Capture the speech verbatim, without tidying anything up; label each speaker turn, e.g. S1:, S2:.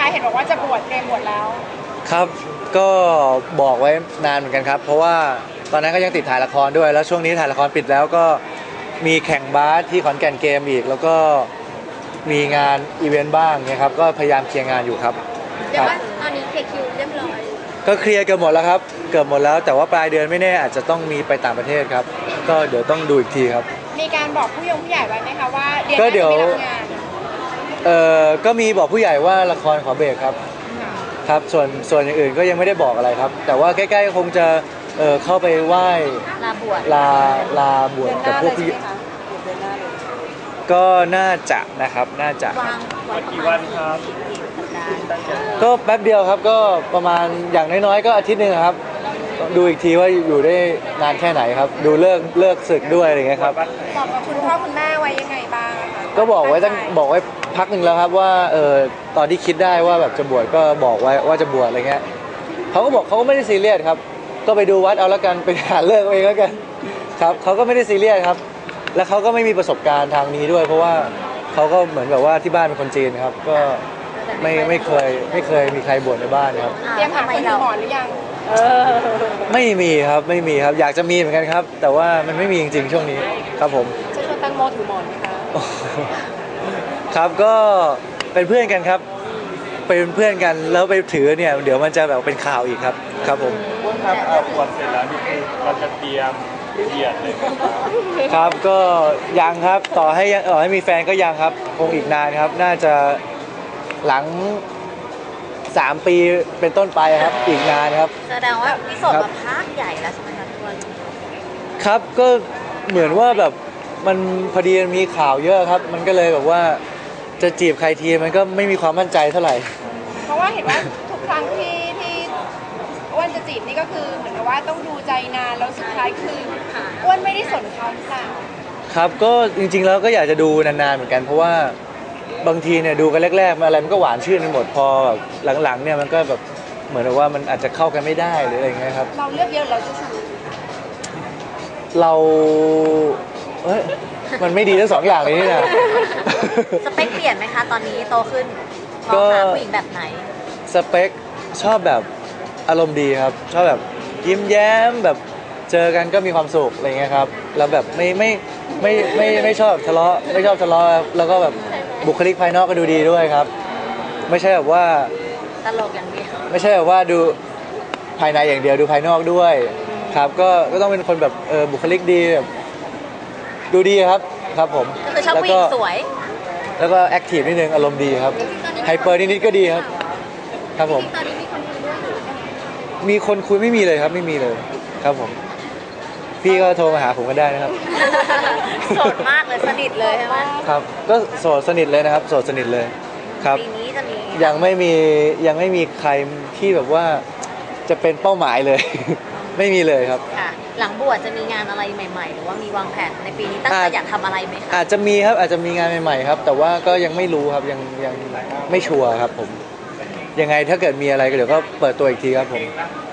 S1: เห็นบอกว่าจะบวชเตรียมบวชแล้ว
S2: ครับก็บอกไว้นานเหมือนกันครับเพราะว่าตอนนั้นก็ยังติดถ่ายละครด้วยแล้วช่วงนี้ถ่ายละครปิดแล้วก็มีแข่งบาสที่ขอนแก่นเกมอีกแล้วก็มีงานอีเวนต์บ้างเนี่ยครับก็พยายามเคลียร์งานอยู่ครับ
S3: เดี๋ยวว่าตอนนี้เคลียร์คิวเรียบร้อย
S2: ก็เคลียร์เกือบหมดแล้วครับเกือบหมดแล้วแต่ว่าปลายเดือนไม่แน่อาจจะต้องมีไปต่างประเทศครับก็เดี๋ยวต้องดูอีกทีครับ
S1: มีการบอกผู้ยงผู้ใหญ่ไว้ไหมคะว่าเดือนหน้าจะไม่รับงาน
S2: เอ่อก็มีบอกผู้ใหญ่ว่าละครขอเบรกครับครับส่วนส่วนอย่างอื่นก็ยังไม่ได้บอกอะไรครับแต่ว่าใกล้ๆคงจะเอ่อเข้าไปไหว้
S3: ลาบวช
S2: ลาลาบวชกับพวกพี่ก็น่าจะนะครับน่าจะ
S4: กี่วันครับ
S2: ก็แป๊บเดียวครับก็ประมาณอย่างน้อยๆก็อาทิตย์หนึ่งครับดูอีกทีว่าอยู่ได้นานแค่ไหนครับดูเลิกเลิกศึกด้วยอะไรเงี้ยครับ
S1: บอกกับคุณพ่อคุณแม่ไว้ยังไงบ้าง
S2: ก็บอกไว้ตั้งบอกไว้พักหนึ่งแล้วครับว่าเออตอนที่คิดได้ว่าแบบจะบวชก็บอกไว้ว่าจะบวชอะไรเงี้ยเขาก็บอกเขาก็ไม่ได้ซีเรียสครับก็ไปดูวัดเอาแล้วกันไปหาเลิกเองแล้วกันครับเขาก็ไม่ได้ซีเรียสครับแล้วเขาก็ไม่มีประสบการณ์ทางนี้ด้วยเพราะว่าเขาก็เหมือนแบบว่าที่บ้านเป็นคนจีนครับก็ไม่ไม่เคยไม่เคยมีใครบวชในบ้านครับ
S1: เตรียมหาคนดูหมอนหรือยัง
S2: ไม่มีครับไม่มีครับอยากจะมีเหมือนกันครับแต่ว่ามันไม่มีจริงๆช่วงนี้ครับผม
S1: จะชวนตังโมถือหมอนไหมคะ
S2: ครับก็เป็นเพื่อนกันครับเป็นเพื่อนกันแล้วไปถือเนี่ยเดี๋ยวมันจะแบบเป็นข่าวอีกครับครับผม
S4: ครับเอาบวชเสร็จแล้วนี่คือเราจะเตรียมเหยียดเลย
S2: ครับก็ยังครับต่อให้ยังต่อให้มีแฟนก็ยังครับคงอีกนานครับน่าจะหลังสามปีเป็นต้นไปครับอีกนานครับ
S3: แสดงว่าพี่โสดมาพักใหญ่แล้วใช่ไหมคะทุกคน
S2: ครับก็เหมือนว่าแบบมันพอดีมีข่าวเยอะครับมันก็เลยแบบว่าจะจีบใครทีมันก็ไม่มีความมั่นใจเท่าไหร่
S1: เพราะว่าเห็นว่าทุกครั้งที่ที่อ้วนจะจีบนี่ก็คือเหมือนกับว่าต้องดูใจนานแล้วสุดท้ายคืออ้วนไม่ได้สนเขาหรือเปล่า
S2: ครับก็จริงๆแล้วก็อยากจะดูนานๆเหมือนกันเพราะว่าบางทีเนี่ยดูกันแรกๆอะไรมันก็หวานชื่นไปหมดพอหลังๆเนี่ยมันก็แบบเหมือนกับว่ามันอาจจะเข้ากันไม่ได้หรืออะไรเงี้ยครับ
S1: เราเลือกเยอะเราจะชู
S2: เราเอ้ยมันไม่ดีทั้งสองอย่างเลยนี่นะ
S3: สเปคเปลี่ยนไหมคะตอนนี้โตขึ้นมองหาผู้หญิงแบบไหน
S2: สเปคชอบแบบอารมณ์ดีครับชอบแบบยิ้มแย้มแบบเจอกันก็มีความสุขอะไรเงี้ยครับแล้วแบบไม่ไม่ไม่ไม่ไม่ชอบทะเลาะไม่ชอบทะเลาะแล้วก็แบบบุคลิกภายนอกก็ดูดีด้วยครับไม่ใช่แบบว่า
S3: ตลกอย่างเดียว
S2: ไม่ใช่แบบว่าดูภายในอย่างเดียวดูภายนอกด้วยครับก็ก็ต้องเป็นคนแบบเออบุคลิกดีแบบดูดีครับครับผม
S3: ก็คือชอบผู้หญิงสวย
S2: แล้วก็แอคทีฟนิดนึงอารมณ์ดีครับไฮเปอร์นิดๆก็ดีครับครับผม
S3: ตอนนี้มีคนคุยด้วยหรือ
S2: มีคนคุยไม่มีเลยครับไม่มีเลยครับผมพี่ก็โทรมาหาผมก็ได้นะครับ
S3: โสดมากเลยสนิทเลยใช่ไหม
S2: ครับก็โสดสนิทเลยนะครับโสดสนิทเลยครับ
S3: ปีนี้จะมี
S2: ยังไม่มียังไม่มีใครที่แบบว่าจะเป็นเป้าหมายเลยไม่มีเลยครับ
S3: ค่ะหลังบวชจะมีงานอะไรใหม่ๆหรือว่ามีวางแผนในปีนี้ตั้งใจอยากทำอะไรไหมคะ
S2: อาจจะมีครับอาจจะมีงานใหม่ๆครับแต่ว่าก็ยังไม่รู้ครับยังยังไม่ชัวร์ครับผมยังไงถ้าเกิดมีอะไรก็เดี๋ยวก็เปิดตัวอีกทีครับผม